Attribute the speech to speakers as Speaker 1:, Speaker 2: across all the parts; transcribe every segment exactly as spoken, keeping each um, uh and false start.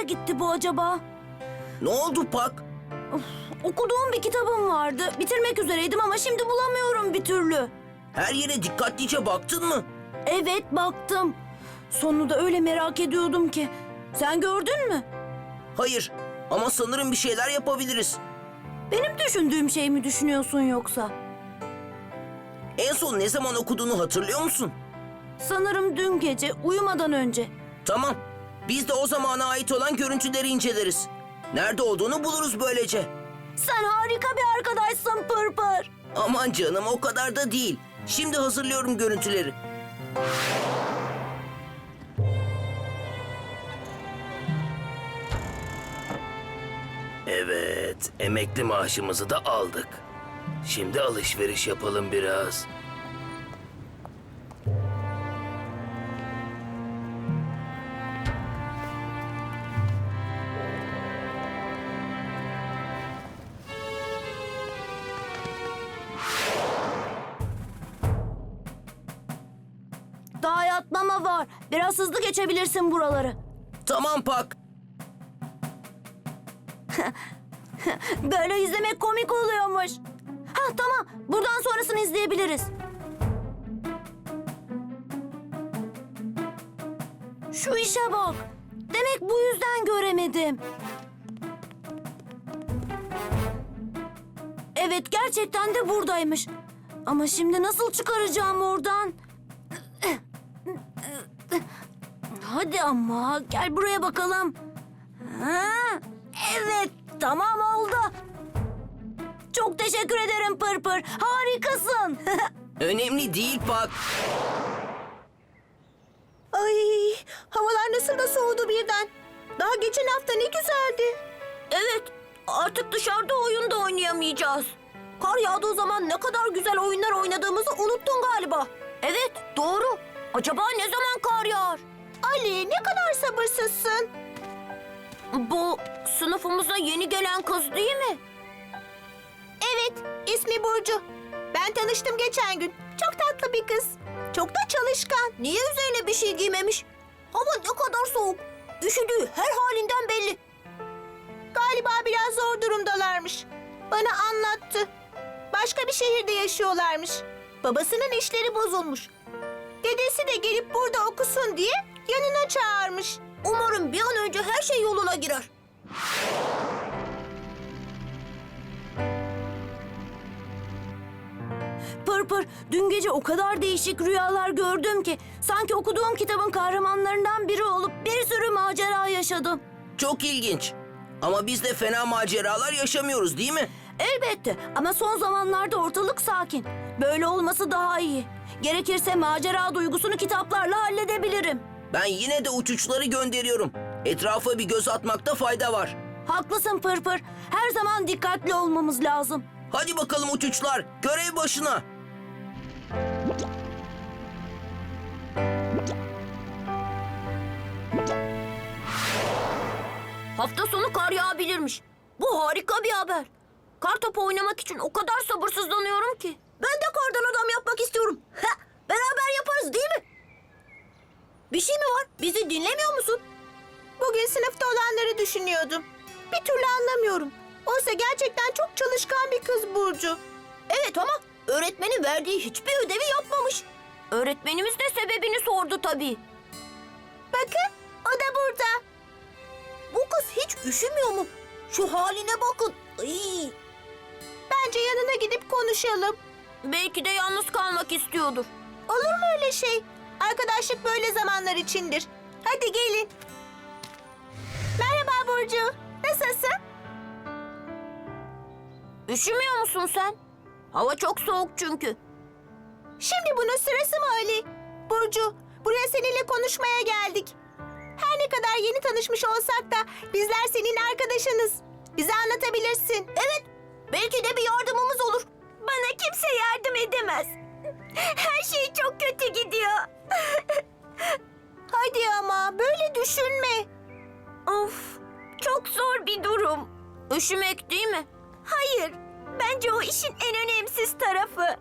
Speaker 1: nereye gitti bu acaba?
Speaker 2: Ne oldu Pak?
Speaker 1: Okuduğum bir kitabım vardı. Bitirmek üzereydim ama şimdi bulamıyorum bir türlü.
Speaker 2: Her yere dikkatlice baktın mı?
Speaker 1: Evet, baktım. Sonunu da öyle merak ediyordum ki. Sen gördün mü?
Speaker 2: Hayır ama sanırım bir şeyler yapabiliriz.
Speaker 1: Benim düşündüğüm şey mi düşünüyorsun yoksa?
Speaker 2: En son ne zaman okuduğunu hatırlıyor musun?
Speaker 1: Sanırım dün gece uyumadan önce.
Speaker 2: Tamam. Biz de o zamana ait olan görüntüleri inceleriz. Nerede olduğunu buluruz böylece.
Speaker 1: Sen harika bir arkadaşsın Pırpır.
Speaker 2: Aman canım o kadar da değil. Şimdi hazırlıyorum görüntüleri. Evet, emekli maaşımızı da aldık. Şimdi alışveriş yapalım biraz.
Speaker 1: Daha yatmama var. Biraz hızlı geçebilirsin buraları.
Speaker 2: Tamam Pak.
Speaker 1: Böyle izlemek komik oluyormuş. Ha tamam, buradan sonrasını izleyebiliriz. Şu işe bak. Demek bu yüzden göremedim. Evet, gerçekten de buradaymış. Ama şimdi nasıl çıkaracağım oradan? Hadi ama gel buraya bakalım. Ha, evet, tamam oldu. Çok teşekkür ederim Pırpır. Harikasın.
Speaker 2: Önemli değil Pak.
Speaker 3: Ay, havalar nasıl da soğudu birden. Daha geçen hafta ne güzeldi.
Speaker 1: Evet, artık dışarıda oyun da oynayamayacağız. Kar yağdığı zaman ne kadar güzel oyunlar oynadığımızı unuttun galiba. Evet, doğru. Acaba ne zaman kar yağar?
Speaker 3: Ali, ne kadar sabırsızsın.
Speaker 1: Bu sınıfımıza yeni gelen kız değil mi?
Speaker 3: Evet, ismi Burcu. Ben tanıştım geçen gün. Çok tatlı bir kız. Çok da çalışkan.
Speaker 1: Niye üzerine bir şey giymemiş? Hava ne kadar soğuk. Üşüdüğü her halinden belli.
Speaker 3: Galiba biraz zor durumdalarmış. Bana anlattı. Başka bir şehirde yaşıyorlarmış. Babasının işleri bozulmuş. Dedesi de gelip burada okusun diye yanına çağırmış.
Speaker 1: Umarım bir an önce her şey yoluna girer. Pırpır, dün gece o kadar değişik rüyalar gördüm ki sanki okuduğum kitabın kahramanlarından biri olup bir sürü macera yaşadım.
Speaker 2: Çok ilginç. Ama biz de fena maceralar yaşamıyoruz değil mi?
Speaker 1: Elbette ama son zamanlarda ortalık sakin. Böyle olması daha iyi. Gerekirse macera duygusunu kitaplarla halledebilirim.
Speaker 2: Ben yine de uçuçları gönderiyorum. Etrafa bir göz atmakta fayda var.
Speaker 1: Haklısın Pırpır. Her zaman dikkatli olmamız lazım.
Speaker 2: Hadi bakalım uçuçlar, görev başına.
Speaker 1: Hafta sonu kar yağabilirmiş. Bu harika bir haber. Kar topu oynamak için o kadar sabırsızlanıyorum ki. Ben de kardan adam yapmak istiyorum. Ha, beraber yaparız değil mi? Bir şey mi var? Bizi dinlemiyor musun?
Speaker 3: Bugün sınıfta olanları düşünüyordum. Bir türlü anlamıyorum. Oysa gerçekten çok çalışkan bir kız Burcu.
Speaker 1: Evet ama öğretmenin verdiği hiçbir ödevi yapmamış. Öğretmenimiz de sebebini sordu tabii.
Speaker 3: Bakın, o da burada.
Speaker 1: Bu kız hiç üşümüyor mu? Şu haline bakın. Ay.
Speaker 3: Bence yanına gidip konuşalım.
Speaker 1: Belki de yalnız kalmak istiyordur.
Speaker 3: Olur mu öyle şey? Arkadaşlık böyle zamanlar içindir. Hadi gelin. Merhaba Burcu. Nasılsın?
Speaker 1: Üşümüyor musun sen? Hava çok soğuk çünkü.
Speaker 3: Şimdi bunun sırası mı Ali? Burcu, buraya seninle konuşmaya geldik. Her ne kadar yeni tanışmış olsak da bizler senin arkadaşınız. Bize anlatabilirsin.
Speaker 1: Evet, belki de bir yardımımız olur. Bana kimse yardım edemez. Her şey çok kötü gidiyor.
Speaker 3: Hadi ama böyle düşünme.
Speaker 1: Of, çok zor bir durum. Üşümek değil mi? Hayır, bence o işin en önemsiz tarafı.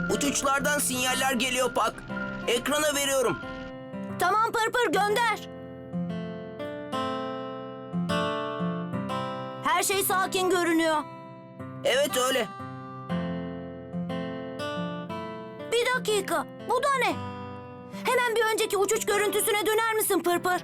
Speaker 2: Uçuçlardan sinyaller geliyor Pak. Ekrana veriyorum.
Speaker 1: Tamam Pırpır, gönder. Her şey sakin görünüyor.
Speaker 2: Evet öyle.
Speaker 1: Bir dakika, bu da ne? Hemen bir önceki uçuş görüntüsüne döner misin Pırpır?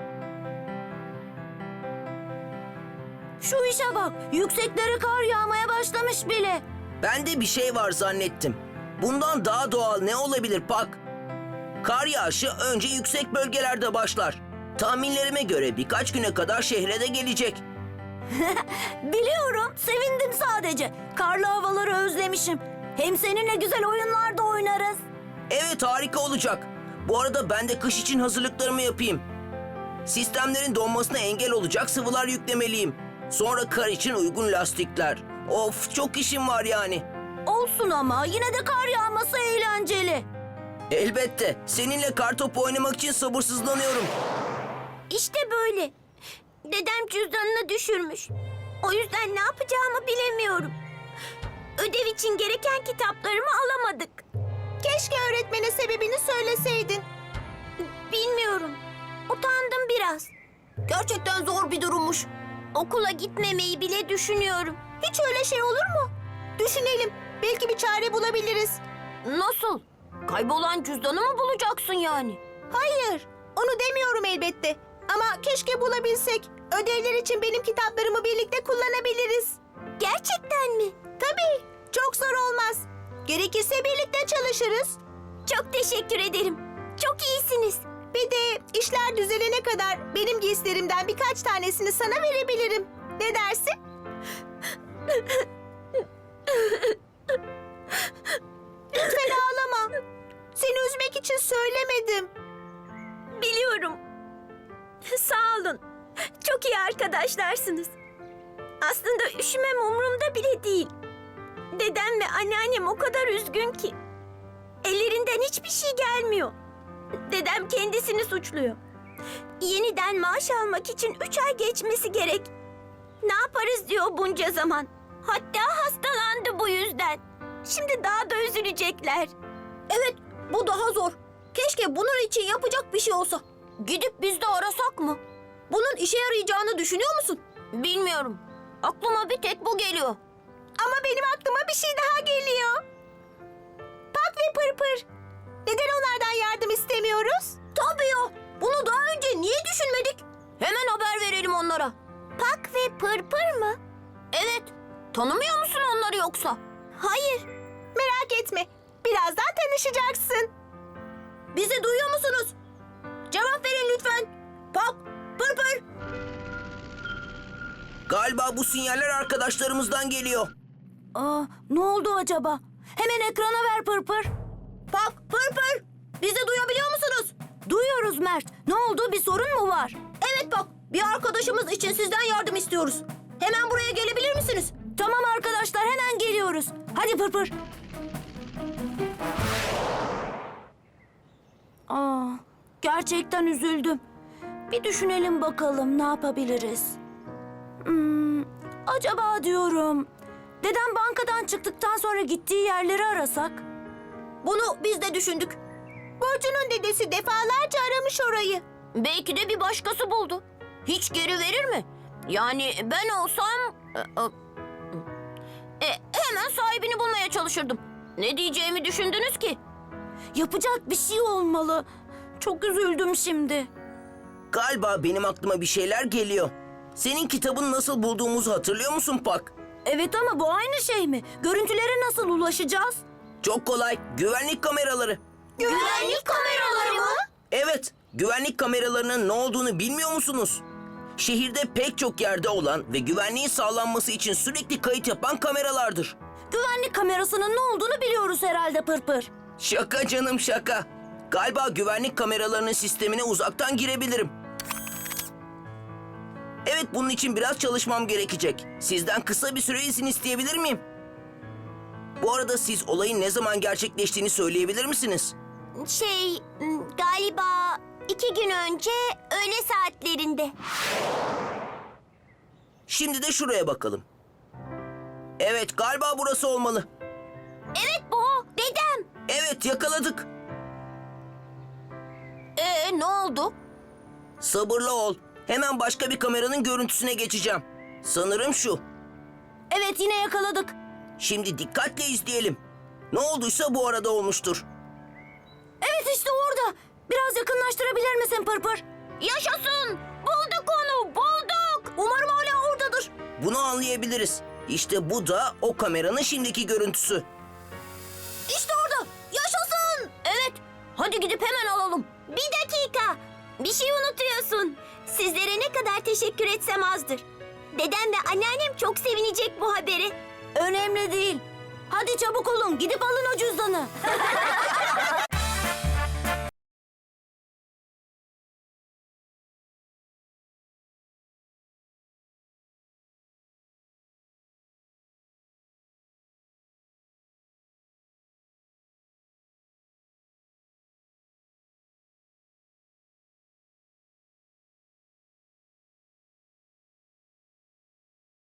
Speaker 1: Şu işe bak, yükseklere kar yağmaya başlamış bile.
Speaker 2: Ben de bir şey var zannettim. Bundan daha doğal ne olabilir Pak? Kar yağışı önce yüksek bölgelerde başlar. Tahminlerime göre birkaç güne kadar şehre de gelecek.
Speaker 1: Biliyorum, sevindim sadece. Karlı havaları özlemişim. Hem seninle güzel oyunlar da oynarız.
Speaker 2: Evet, harika olacak. Bu arada ben de kış için hazırlıklarımı yapayım. Sistemlerin donmasına engel olacak sıvılar yüklemeliyim. Sonra kar için uygun lastikler. Of, çok işim var yani.
Speaker 1: Olsun ama yine de kar yağması eğlenceli.
Speaker 2: Elbette. Seninle kartopu oynamak için sabırsızlanıyorum.
Speaker 1: İşte böyle. Dedem cüzdanını düşürmüş. O yüzden ne yapacağımı bilemiyorum. Ödev için gereken kitaplarımı alamadık.
Speaker 3: Keşke öğretmene sebebini söyleseydin.
Speaker 1: Bilmiyorum. Utandım biraz. Gerçekten zor bir durummuş. Okula gitmemeyi bile düşünüyorum.
Speaker 3: Hiç öyle şey olur mu? Düşünelim. Belki bir çare bulabiliriz.
Speaker 1: Nasıl? Kaybolan cüzdanı mı bulacaksın yani?
Speaker 3: Hayır, onu demiyorum elbette. Ama keşke bulabilsek. Ödevler için benim kitaplarımı birlikte kullanabiliriz.
Speaker 1: Gerçekten mi?
Speaker 3: Tabii, çok zor olmaz. Gerekirse birlikte çalışırız.
Speaker 1: Çok teşekkür ederim. Çok iyisiniz.
Speaker 3: Bir de işler düzelene kadar benim giysilerimden birkaç tanesini sana verebilirim. Ne dersin? Lütfen ağlama. Seni üzmek için söylemedim.
Speaker 1: Biliyorum. Sağ olun. Çok iyi arkadaşlarsınız. Aslında üşümem umurumda bile değil. Dedem ve anneannem o kadar üzgün ki. Ellerinden hiçbir şey gelmiyor. Dedem kendisini suçluyor. Yeniden maaş almak için üç ay geçmesi gerek. Ne yaparız diyor bunca zaman. Hatta hastalandı bu yüzden. Şimdi daha da üzülecekler. Evet, bu daha zor. Keşke bunun için yapacak bir şey olsa. Gidip biz de arasak mı? Bunun işe yarayacağını düşünüyor musun? Bilmiyorum. Aklıma bir tek bu geliyor.
Speaker 3: Ama benim aklıma bir şey daha geliyor. Pak ve Pırpır. Neden onlardan yardım istemiyoruz?
Speaker 1: Tabii ya. Bunu daha önce niye düşünmedik? Hemen haber verelim onlara. Pak ve Pırpır mı? Evet. Tanımıyor musun onları yoksa? Hayır.
Speaker 3: Merak etme. Birazdan tanışacaksın.
Speaker 1: Bizi duyuyor musunuz? Cevap verin lütfen. Pak, Pırpır.
Speaker 2: Galiba bu sinyaller arkadaşlarımızdan geliyor.
Speaker 1: Aa, ne oldu acaba? Hemen ekrana ver Pırpır. Pak, Pırpır. Bizi duyabiliyor musunuz? Duyuyoruz Mert. Ne oldu? Bir sorun mu var? Evet Pak. Bir arkadaşımız için sizden yardım istiyoruz. Hemen buraya gelebilir misiniz? Tamam arkadaşlar, hemen geliyoruz. Hadi Pırpır. Aa, gerçekten üzüldüm. Bir düşünelim bakalım ne yapabiliriz. Hmm, acaba diyorum... Dedem bankadan çıktıktan sonra gittiği yerleri arasak? Bunu biz de düşündük.
Speaker 3: Burcu'nun dedesi defalarca aramış orayı.
Speaker 1: Belki de bir başkası buldu. Hiç geri verir mi? Yani ben olsam... E, e, hemen sahibini bulmaya çalışırdım. Ne diyeceğimi düşündünüz ki? Yapacak bir şey olmalı. Çok üzüldüm şimdi.
Speaker 2: Galiba benim aklıma bir şeyler geliyor. Senin kitabını nasıl bulduğumuzu hatırlıyor musun Pak?
Speaker 1: Evet ama bu aynı şey mi? Görüntülere nasıl ulaşacağız?
Speaker 2: Çok kolay. Güvenlik kameraları.
Speaker 1: Güvenlik kameraları mı?
Speaker 2: Evet, güvenlik kameralarının ne olduğunu bilmiyor musunuz? Şehirde pek çok yerde olan ve güvenliğin sağlanması için sürekli kayıt yapan kameralardır.
Speaker 1: Güvenlik kamerasının ne olduğunu biliyoruz herhalde Pırpır.
Speaker 2: Şaka canım, şaka. Galiba güvenlik kameralarının sistemine uzaktan girebilirim. Evet, bunun için biraz çalışmam gerekecek. Sizden kısa bir süre izin isteyebilir miyim? Bu arada siz olayın ne zaman gerçekleştiğini söyleyebilir misiniz?
Speaker 1: Şey, galiba iki gün önce öğle saatlerinde.
Speaker 2: Şimdi de şuraya bakalım. Evet, galiba burası olmalı.
Speaker 1: Evet bu, dedem.
Speaker 2: Evet, yakaladık.
Speaker 1: Ee ne oldu?
Speaker 2: Sabırlı ol. Hemen başka bir kameranın görüntüsüne geçeceğim. Sanırım şu.
Speaker 1: Evet yine yakaladık.
Speaker 2: Şimdi dikkatle izleyelim. Ne olduysa bu arada olmuştur.
Speaker 1: Evet işte orada. Biraz yakınlaştırabilir misin Pırpır? Yaşasın! Bulduk onu, bulduk! Umarım hala oradadır.
Speaker 2: Bunu anlayabiliriz. İşte bu da o kameranın şimdiki görüntüsü.
Speaker 1: İşte orada. Yaşasın! Evet. Hadi gidip hemen alalım.
Speaker 4: Bir dakika. Bir şey unutuyorsun. Sizlere ne kadar teşekkür etsem azdır. Dedem ve anneannem çok sevinecek bu haberi.
Speaker 1: Önemli değil. Hadi çabuk olun. Gidip alın o cüzdanı.